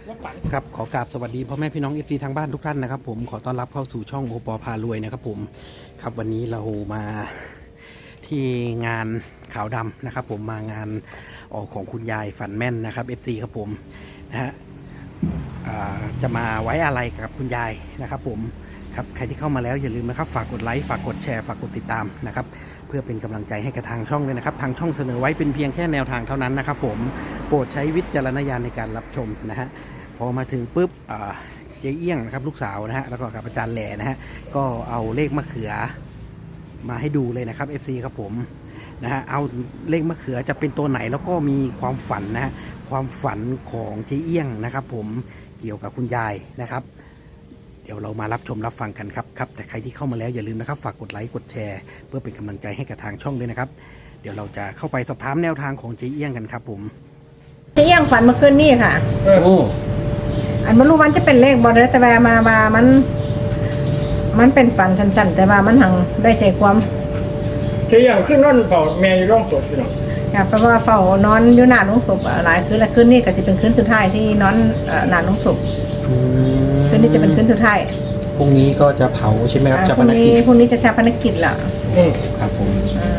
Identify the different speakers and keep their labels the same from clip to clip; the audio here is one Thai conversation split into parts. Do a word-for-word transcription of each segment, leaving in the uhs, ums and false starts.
Speaker 1: ครับขอกราบสวัสดีพ่อแม่พี่น้องเอฟซีทางบ้านทุกท่านนะครับผมขอต้อนรับเข้าสู่ช่องโอปอพารวยนะครับผมครับวันนี้เรามาที่งานขาวดำนะครับผมมางานออกของคุณยายฝันแม่นนะครับ เอฟ ซี ครับผมนะฮะจะมาไว้อะไรกับคุณยายนะครับผมครับใครที่เข้ามาแล้วอย่าลืมนะครับฝากกดไลค์ฝากกดแชร์ฝากกดติดตามนะครับเพื่อเป็นกำลังใจให้กับทางช่องด้วยนะครับทางช่องเสนอไว้เป็นเพียงแค่แนวทางเท่านั้นนะครับผมโปรดใช้วิจารณญาณในการรับชมนะฮะพอมาถึงปุ๊บเจ๊เอี้ยงนะครับลูกสาวนะฮะแล้วก็กับอาจารย์แหล่นะฮะก็เอาเลขมะเขือมาให้ดูเลยนะครับ เอฟ ซี ครับผมนะฮะเอาเลขมะเขือจะเป็นตัวไหนแล้วก็มีความฝันนะฮะความฝันของเจ๊เอี้ยงนะครับผมเกี่ยวกับคุณยายนะครับเดี๋ยวเรามารับชมรับฟังกันครับครับแต่ใครที่เข้ามาแล้วอย่าลืมนะครับฝากกดไลค์กดแชร์เพื่อเป็นกำลังใจให้กับทางช่องด้วยนะครับเดี๋ยวเราจะเข้าไปสอบถามแนวทางของเจ๊เอี้ยงกันครับผม
Speaker 2: เจ๊เอี้ยงฝันเมื่อคืนนี่ค่ะ
Speaker 1: โอ้
Speaker 2: อันไม่รู้มันจะเป็นเลขบอลเลยแต่ว่ามาว่ามัน มันเป็นฝันสั้นๆแต่ว่ามันหังได้ใจความ
Speaker 3: เจ๊ยังขึ้นนอนเฝ้าแม่อยู่ร่องศพพี่น้อง
Speaker 2: ค่ะเพราะว่าเฝ้านอนอยู่หน้าโรงศพหลายคืนและคืนนี้ก็จะเป็นคืนสุดท้ายที่นอนหน้าโรงศพคืนนี้จะเป็นคืนสุดท้าย
Speaker 1: พรุ่งนี้ก็จะเผาใช่ไหมครับ
Speaker 2: ชาปนกิจพรุ่งนี้จะชาปนกิจละ
Speaker 1: ครับผม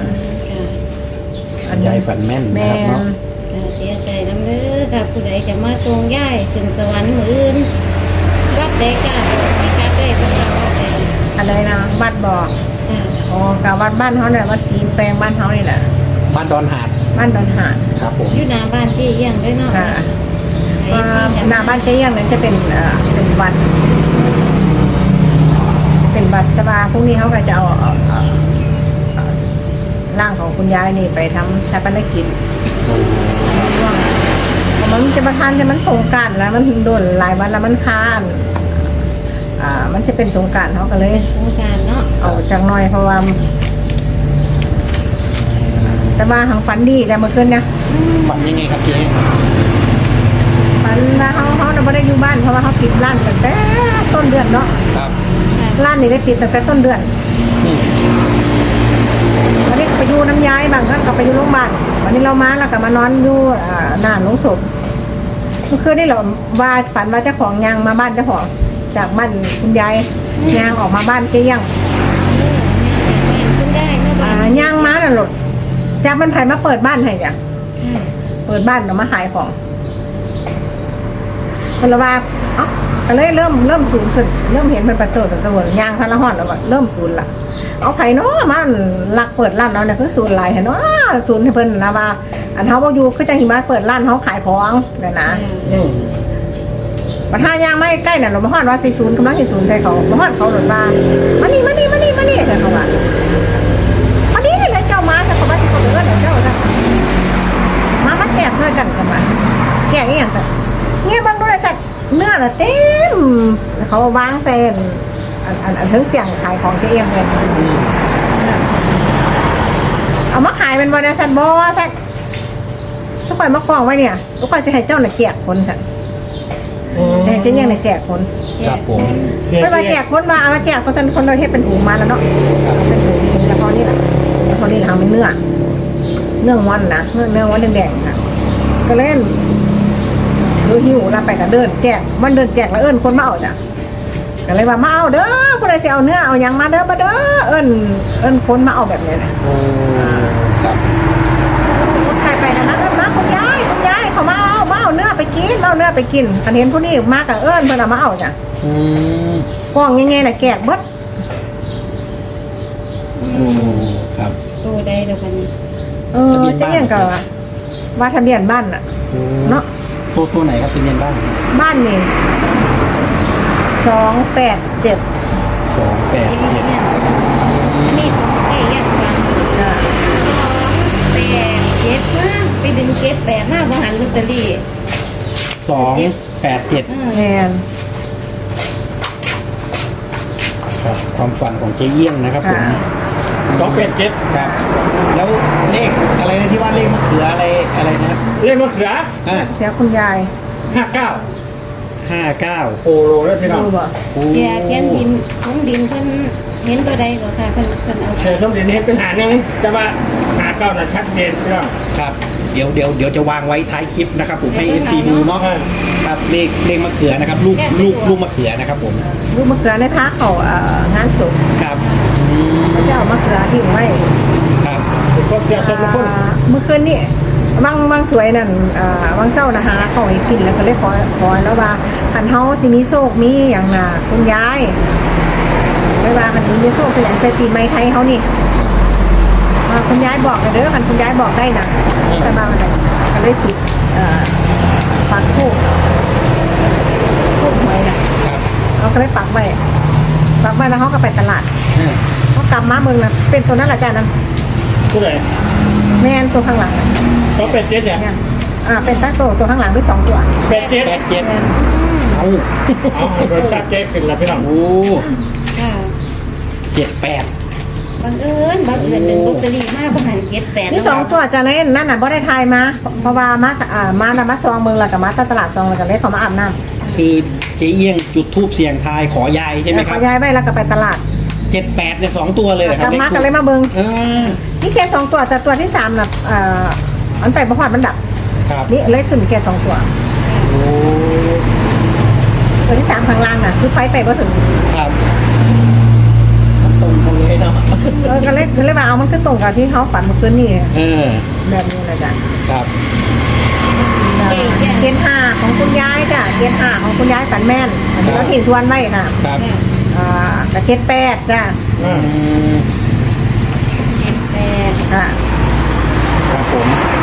Speaker 2: อัน
Speaker 1: ยายฝันแม่นนะครับเนาะ
Speaker 4: เสียใจน้ำเลือกับผู้ใดจะมาทรงย่ายถึงสวรรค์มืออื่นวัดใดกล้าบอกไม่กล้าได้ต้องทำวัดใด
Speaker 2: อะไรนะวัดบอกอ๋อกับวัดบ้านเขาเนี่ยวัดศรีแปลงบ้านเขานี่แหละ
Speaker 1: บ้านดอนหาด
Speaker 2: บ้านดอนหาด
Speaker 1: ครับผม
Speaker 4: อยู่หน้าบ้านที่เยี่ยงด้วยเนาะ
Speaker 2: ค่ะหน้าบ้านเจ๊เอี้ยงนั้นจะเป็นเป็นวัดเป็นวัดแต่ว่าพรุ่งนี้เขาก็จะเอาร่างของคุณยายนี่ไปทำชาปนกิจมันจะมาทานแต่มันสงกรานต์แล้วมันโดนหลายวันแล้วมันค้านอ่ามันจะเป็นสงกรานต์เขาก็เลย
Speaker 4: สงกรานต์เนาะ
Speaker 2: เอาจังหน่อยเพราะว่าแต่มาทางฝันดีแต่เมื่อคืนเนี่ย
Speaker 1: ฝันยังไงครับเจ๊
Speaker 2: ฝันว่าเขาเขาไม่ได้อยู่บ้านเพราะว่าเขาปิดร้านตั้งแต่ต้นเดือนเนาะ
Speaker 1: ครับ
Speaker 2: ร้านนี้ได้ปิดตั้งแต่ต้นเดือนวันนี้ไปอยู่น้ำย้ายบางท่านก็ไปอยู่โรงพยาบาลวันนี้เรามาแล้วก็มานอนอยู่หน้าโรงศพเมื่อคืนนี่เราว่าฝันว่าเจ้าของยางมาบ้านเจ้าของจากบ้านคุณยายยางออกมาบ้านเจ๊เอี้ยงยางมาน่ะหลุดจากบ้านไผ่มาเปิดบ้านให้จ้ะเปิดบ้านเรามาขายของคนละว่าเอ้าก็เลยเริ่มเริ่มศูนย์ขึ้นเริ่มเห็นมันประตูประตูยางพันละห่อนแล้วว่าเริ่มศูนย์ละเอาไผ่เนาะมันหลักเปิดร้านเราเนี่ยคือศูนย์หลายเห็นเนาะศูนย์ให้เพิ่นนะว่าอันเขาบอกอยู่คือจังหิมะเปิดร้านเขาขายของเนี่ยนะปัญหายางไม่ใกล้เนี่ยเรามาฮอดว่าสี่ศูนย์กำลังสี่ศูนย์ใส่เขามาฮอดเขาหลุดมามานี่มานี่มานี่มานี่แต่เขาว่ามานี่เลยเจ้ามาแต่เขาว่าที่เขาเดินเจ้าจ้ะมามาแกะช่วยกันกันมาแกะอย่างแต่เงี้ยบางดูเลยจัดเนื้อน่ะเต็มเขาวางเส้นอันอันอันถึงเตียงขายของเจ๊เอี้ยงเลยเอามาขายเป็นบริษัทบอสักทุกคนมากองไว้เนี่ยทุกคนจะให้เจ้าหน่ะแจกคนสักแต่เจ๊เอี้ยงเนี่ยแจกคน
Speaker 1: ครับผม
Speaker 2: ไม่มาแจกคนมาเอามาแจกคนสันคนเราเทศเป็นถุงมาแล้วเนาะเป็นถุงแล้วพอนี่แหละพอนี่ทำเป็นเนื้อเนื้อวันนะเนื้อเนื้อวันแดงๆนะก็เล่นดูหิวเราไปกับเดินแจกวันเดินแจกแล้วเอิ้นคนมาเอาจ้ะก็เลยว่ามาเอาเด้อคนใดสิเอาเนื้อเอายังมาเด้อมาเด้อเอิ้นเอิ้นคนมาเอาแบบนี้นะคนใครไปนะนะเอิ้นมาคุณยายคุณยายเขามาเอามาเอาเนื้อไปกินเอาเนื้อไปกินคันเห็นผู้นี้มากับเอิ้นเพิ่นเอามาเอาจ้ะกล้องแง่ๆน่ะแกกเบิด
Speaker 1: ครับ
Speaker 4: ตัวใดเดี๋ยวกัน
Speaker 2: เออจะเรียกก็ว่าทะเบียนบ้านน่ะเนาะ
Speaker 1: ตัวตัวไหนครับทะเบียนบ้าน
Speaker 2: บ้านนี่สองแปดเจ็ด
Speaker 1: สองแปดเจ็ด
Speaker 4: อันนี้ของเจ๊ยักษ์ฟังสองแปดเจ็ดนะไปดึงเจ็ดแปดหน้าบริหารลอตเตอรี่
Speaker 1: สองแปดเจ็ด
Speaker 2: แม่น
Speaker 1: ครับความฝันของเจ๊เอี้ยงนะครับผม
Speaker 3: สองแปดเจ็ด
Speaker 1: ครับแล้วเลขอะไรนะที่ว่าเลขมะเขืออะไรอะไรนะ
Speaker 3: เลขมะเขือ
Speaker 1: อ่า
Speaker 2: เสียคุณยาย
Speaker 3: ห้าเก้า
Speaker 1: ห้าเก้า
Speaker 3: โอ้โหแล้วพี่น้อง
Speaker 4: เสียเทียนดินของดินเพิ่นเห็นตัวใดก็ค่ะเพิ่นเพิ่นเอา
Speaker 3: เสียสมดินเห็นเป็นหาหนึ่งจะว่าหาเก้าน่ะชัดเจนพี่น้อง
Speaker 1: ครับเดี๋ยวเดี๋ยวเดี๋ยวจะวางไว้ท้ายคลิปนะครับผมให้เอฟซีดูเนาะครับเลขเลขมะเขือนะครับลูกลูกลูกมะเขือนะครับผม
Speaker 2: ลูกมะเขือในท้าเขาเอ่องานศพ
Speaker 1: ครับอืม
Speaker 2: เขาจะเอามะเขือทิ้งไว้
Speaker 1: ครับ
Speaker 3: ก็เสียสมคน
Speaker 2: อ่าเมื่อคืนนี่บางบางสวยนั่นอ่าบางเศร้านะฮะเขาให้กินแล้วก็เลยขอขอแล้วว่าคันเฮาสิมีโชคมีอย่างน่ะคุณยายไม่ว่าคันนี้มีโชคเป็นอย่างใส่ปีใหม่ไทยเฮานี่อ่าคุณยายบอกกันเด้อคันคุณยายบอกได้นะแต่มาวันไหนก็เลยติดเอ่อปักทูบทูบหวยน่ะ
Speaker 1: ครับ
Speaker 2: เราก็เลยปักไว้ปักไว้แล้วเขาก็ไปตลาด
Speaker 1: อ่า
Speaker 2: เขากลับมาเมืองนะเป็นตัวนั้นแหละจ้านั้น
Speaker 3: ผู้ใด
Speaker 2: แม่นตัวข้างหลังน่ะ
Speaker 3: เขาเป็ดเจ็ดเนี่ย
Speaker 2: เนี่ยอ่าเป็นตั้งตัวตัวข้างหลังด้วยสองตัว
Speaker 3: เป็ดเจ็ด
Speaker 1: แปดเจ็ด
Speaker 2: แม่น
Speaker 1: เอา
Speaker 3: เอาบริษัทเจ๊ขึ้นแล้วพี่น้อง
Speaker 1: โอ้
Speaker 4: ค่ะ
Speaker 1: เจ็ดแปด
Speaker 4: บังเอิญบังเอิญหนึ่งลอตเตอรี่มาประมาณเจ็ดแปด
Speaker 2: นี่สองตัวจ้านั้นนั่นน่ะบ่ได้ทายมาเพราะว่ามาอ่ามานะมาซองเมืองแล้วกับมาตลาดซองแล้วก็เลยเขามาอาบน้ำ
Speaker 1: คือเจ๊เอี้ยงจุดทูบเสียงทายขอยายใช่ไหมค
Speaker 2: เขา
Speaker 1: รับ
Speaker 2: ย้ายไปแล้วก็ไปตลาด
Speaker 1: เจ็ดแปดเนี่ยสองตัวเลยเหรอก ครั
Speaker 2: ลั
Speaker 1: บบ
Speaker 2: มา
Speaker 1: ทู
Speaker 2: ก็
Speaker 1: บ
Speaker 2: เลยมาเมือง
Speaker 1: เออ
Speaker 2: นี่แค่สองตัวแต่ตัวที่สามน่ะเอ่ออันไปประวัติมันดับ
Speaker 1: ครับ
Speaker 2: นี่เลยขึ้นแค่สองตัว
Speaker 1: โอ้
Speaker 2: ตัวที่สามข้างล่างน่ะคือไฟไปก็ถึง
Speaker 1: ครับตรงกันเลยเนาะ
Speaker 2: เออก็เลยก็เลยว่าเอามันคือตรงกับที่เขาฝันเมื่อคืนนี่
Speaker 1: เออ
Speaker 2: แบบนี้นะจ๊ะ
Speaker 1: ครับ
Speaker 2: เกณฑ์ห้าของคุณยายจ้ะเกณฑ์ห้าของคุณยายฝันแม่นอันนี้เราทิ้งทวนไว้ค่ะ
Speaker 1: ครับ
Speaker 2: อ่ากับเจ็ดแปดจ้ะ
Speaker 3: อ่า
Speaker 1: อืม
Speaker 4: เจ็ดแปด
Speaker 2: ค่ะ
Speaker 1: ครับผม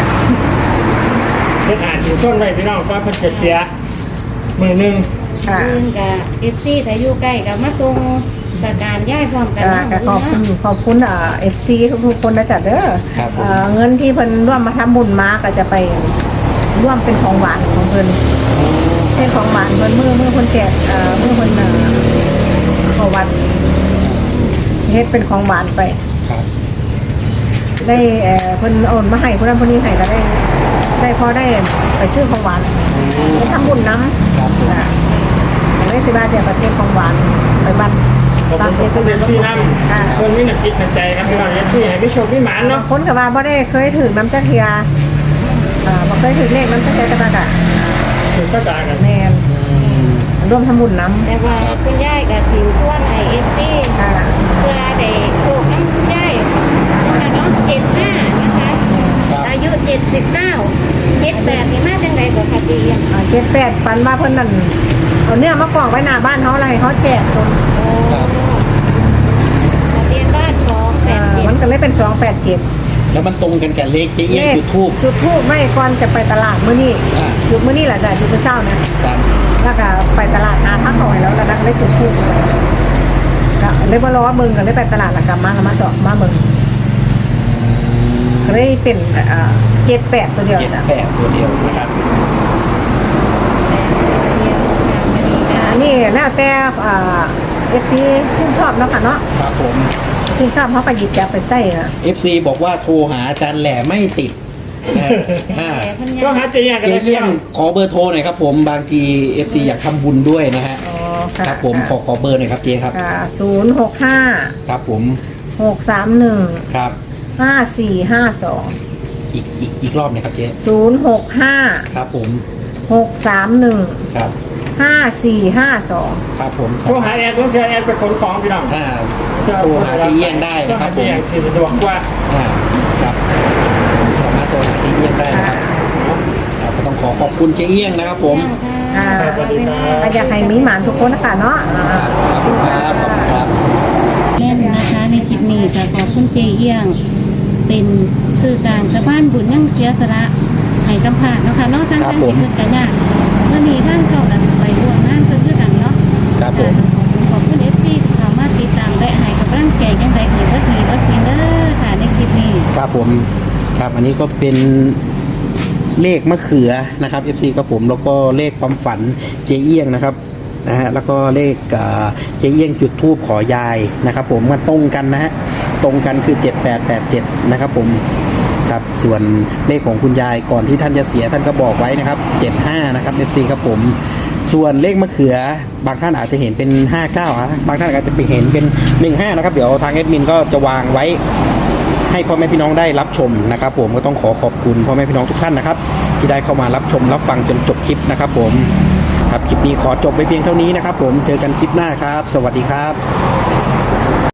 Speaker 3: เพิ่นอ่านอยู่ต้นไว้พี่น้องว่าเพิ่นจะเสียมือหนึ่ง
Speaker 2: ค่ะ
Speaker 4: เอิงกับเอฟซีถ้าอยู่ใกล้กับมาส่งสการย้ายพร้อมกัน
Speaker 2: อ่า
Speaker 4: เนาะ
Speaker 2: ก็ขอบคุณขอบคุณอ่าเอฟซีทุกๆคนนะจ๊ะเด้อ
Speaker 1: ครับผม
Speaker 2: อ่าเงินที่เพิ่นร่วมมาทำบุญมาก็จะไปร่วมเป็นของหวานของเพิ่นเป็นของหวานเพิ่นมือมือเพิ่นแจกเอ่อมือเพิ่นเอ่อเข้าวัดเฮ็ดเป็นของหวานไป
Speaker 1: ครับ
Speaker 2: ได้เอ่อเพิ่นโอนมาให้คนนั้นคนนี้ให้ก็ได้ ได้พอได้ไปซื้อของหวานไปทำบุญน้ำ
Speaker 1: ครับผม
Speaker 2: อ่าได้สิบาทเดียวประเทศของหวานไปบ้าน
Speaker 3: ขอบ
Speaker 2: ตาม
Speaker 3: คุณ
Speaker 2: เจ็ด
Speaker 3: ขอบ
Speaker 2: ไป
Speaker 3: คุณ
Speaker 2: เรียน
Speaker 3: ที่น้
Speaker 2: อ่า
Speaker 3: ำคนมีหนักจิตหนักใจครับพี่น้องเอฟซีให้พี่โชคพี่หมานเนาะ
Speaker 2: คนกับว่าบ่ได้เคยถือน้ำจักเทียอ่าบ่เคยถือเลขน้ำจักเทียแต่ว่าก็
Speaker 3: ถึงก็จ่ายกัน
Speaker 2: แม่นร่วมทำบุญน้
Speaker 4: แต่ว่าคุณยายกับทีมทั่วในเอฟซี
Speaker 2: ำอ่า
Speaker 4: เพื่อได้โชคน้ำคุณยายนะคะเนาะเจ็ดห้านะคะ
Speaker 1: ครับ
Speaker 4: อายุเจ็ดสิบเก้าเจ็ดแปดนี่มาจังไรกว่าคดีอ่ะ
Speaker 2: อ่าเจ็ดแปดปันมาเพิ่นนั่นเอาเนื้อมากองไว้หน้าบ้านเขาอะไรเขาแจกคน
Speaker 4: โอ้ทะเบียนบ้านสองแป
Speaker 2: อ่า
Speaker 4: ดเจ็ด
Speaker 2: มันก็เลยเป็นสองแปดเจ็ด
Speaker 1: แล้วมันตรงกันกับเลขเจ๊เอี้ยงจุดทูบ
Speaker 2: จุดทูบไม่ก่อนจะไปตลาดมื้อนี้
Speaker 1: อ่า
Speaker 2: จุดมื้อนี้แหละจ้ะจุดมื้อเช้านะครับ แล้วก็ไปตลาดหาพักเขาให้แล้วแล้วก็เลยจุดทูบก็เลยมารอว่ามึงก็เลยไปตลาดแล้วกลับมาแล้วมาสอบมามึงก็เลยเป็นอ่าเจ็ดแปดตัวเดียว
Speaker 1: เจ็ด
Speaker 2: จ้ะ
Speaker 1: แปดตัวเดียวนะครับ
Speaker 4: แปดตัวเดียวค่ะคดีกา
Speaker 2: อันนี้แล้วแต่อ่าเอฟซีชื่นชอบเนาะค่ะเนาะ
Speaker 1: ครับผม
Speaker 2: ชื่นชอบเขาก็หยิบจับไปใส่นะ
Speaker 1: เอฟซีบอกว่าโทรหาอาจารย์แหล่ไม่ติดนะฮะอ่า
Speaker 4: แต่พัน
Speaker 3: ก็
Speaker 4: ยา
Speaker 3: หาเจียกัน
Speaker 1: เจ๊
Speaker 3: เลยพี่
Speaker 1: เอี้ย
Speaker 3: น้
Speaker 1: ง
Speaker 3: อง
Speaker 1: ขอเบอร์โทรหน่อยครับผมบางทีเอฟซีอยากทำบุญด้วยนะฮะ
Speaker 2: อ๋อค่ะ
Speaker 1: ครับผมขอขอเบอร์หน่อยครับเจ๊ครับ
Speaker 2: ค่ะศูนย์หกห้า
Speaker 1: ครับผม
Speaker 2: หกสามหนึ่ง
Speaker 1: ครับ
Speaker 2: ห้าสี่ห้าสอง
Speaker 1: อีกอีกอีกรอบหน่อยครับเจ๊
Speaker 2: ศูนย์หกห้า
Speaker 1: ครับผม
Speaker 2: หกสามหนึ่ง
Speaker 1: ครับ
Speaker 2: ห้าสี่ห้าสอง
Speaker 1: ครับผม
Speaker 3: โทรหาแอนต้องเจอแอนเป็นคนของพี่น้อง
Speaker 1: ถ้าโทรหาเจ๊เอี้ยงได้นะครับผม
Speaker 3: เจ๊เอี้ยงที่สะดวกกว่า
Speaker 1: อ่าครับสามารถโทรหาเจ๊เอี้ยงได้นะครับครับก็ต้องขอขอบคุณเจ๊เอี้ยงนะครับผม
Speaker 2: อ่า
Speaker 3: สวัสดีครับ
Speaker 2: ก็อยากให้มีหมานทุกคนนะคะเนาะอ่า
Speaker 1: ครับขอบคุณครับขอบคุณครับ
Speaker 4: เล่นนะคะในคลิปนี้ค่ะขอบคุณเจเอี้ยง เป็นสื่อกลางชาวบ้านบุญยั่งเชียสระให้สัมผัสเนาะค่ะเนอกทาง
Speaker 1: ครั
Speaker 4: ทา
Speaker 1: บ
Speaker 4: ง
Speaker 1: ผม
Speaker 4: ที่เพิ่นกันยากเมื่อนี้ท่านเข้ากันไปร่วมงานเพิ่นคือกันเนาะ
Speaker 1: ครับผม
Speaker 4: ขอบคุณเอฟซีที่สามารถติดตามและให้กำลังใจยังไงเอ่ยว่าดีว่าซีเดอร์ค่ะในคลิปนี้
Speaker 1: ครับผมครับอันนี้ก็เป็นเลขมะเขือนะครับ เอฟ ซี ครับผมแล้วก็เลขความฝันเจเอี้ยงนะครับนะฮะแล้วก็เลขเอ่อเจเอี้ยงจุดทูบขอยายนะครับผมมันตรงกันนะฮะตรงกันคือเจ็ดแปดแปดเจ็ดนะครับผมครับส่วนเลขของคุณยายก่อนที่ท่านจะเสียท่านก็บอกไว้นะครับเจ็ดห้านะครับ เอฟ ซี ครับผมส่วนเลขมะเขือบางท่านอาจจะเห็นเป็นห้าเก้านะบางท่านอาจจะไปเห็นเป็นหนึ่งห้านะครับเดี๋ยวทางแอดมินก็จะวางไว้ ให้พ่อแม่พี่น้องได้รับชมนะครับผมก็ต้องขอขอบคุณพ่อแม่พี่น้องทุกท่านนะครับที่ได้เข้ามารับชมรับฟังจนจบคลิปนะครับผมครับคลิปนี้ขอจบไปเพียงเท่านี้นะครับผมเจอกันคลิปหน้าครับสวัสดีครับ